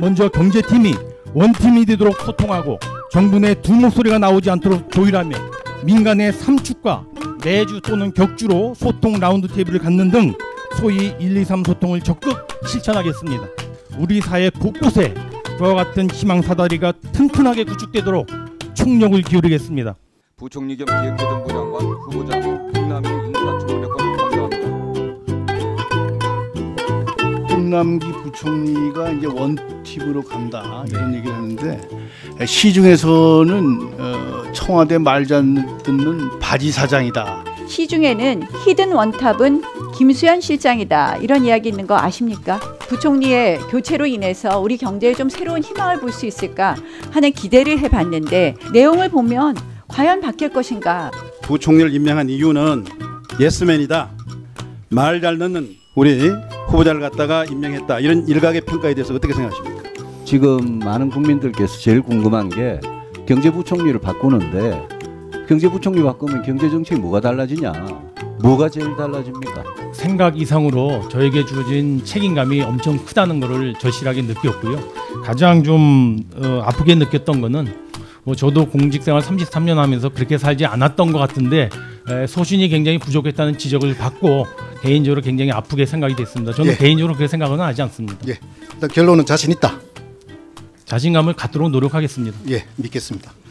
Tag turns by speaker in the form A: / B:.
A: 먼저 경제팀이 원팀이 되도록 소통하고 정부 내 두 목소리가 나오지 않도록 조율하며 민간의 삼축과 내주 또는 격주로 소통 라운드 테이블을 갖는 등 소위 123 소통을 적극 실천하겠습니다. 우리 사회 곳곳에 그와 같은 희망 사다리가 튼튼하게 구축되도록 총력을 기울이겠습니다.
B: 부총리 겸 기획재정부 장관 후보자 홍남기 인사청문회권 감사합니다.
C: 홍남기 부총리가 이제 원팀으로 간다 이런 얘기를 하는데 시중에서는 청와대 말 잘 듣는 바지 사장이다.
D: 시중에는 히든 원탑은 김수현 실장이다 이런 이야기 있는 거 아십니까? 부총리의 교체로 인해서 우리 경제에 좀 새로운 희망을 볼 수 있을까 하는 기대를 해봤는데 내용을 보면 과연 바뀔 것인가?
E: 부총리를 임명한 이유는 예스맨이다. 말 잘 듣는 우리 후보자를 갖다가 임명했다. 이런 일각의 평가에 대해서 어떻게 생각하십니까?
F: 지금 많은 국민들께서 제일 궁금한 게 경제부총리를 바꾸는데 경제부총리 바꾸면 경제정책이 뭐가 달라지냐? 뭐가 제일 달라집니까?
A: 생각 이상으로 저에게 주어진 책임감이 엄청 크다는 것을 절실하게 느꼈고요. 가장 좀 아프게 느꼈던 거는 저도 공직생활 33년 하면서 그렇게 살지 않았던 것 같은데 소신이 굉장히 부족했다는 지적을 받고 개인적으로 굉장히 아프게 생각이 됐습니다. 저는 개인적으로 그렇게 생각은 하지 않습니다.
G: 일단 결론은 자신 있다.
A: 자신감을 갖도록 노력하겠습니다.
G: 믿겠습니다.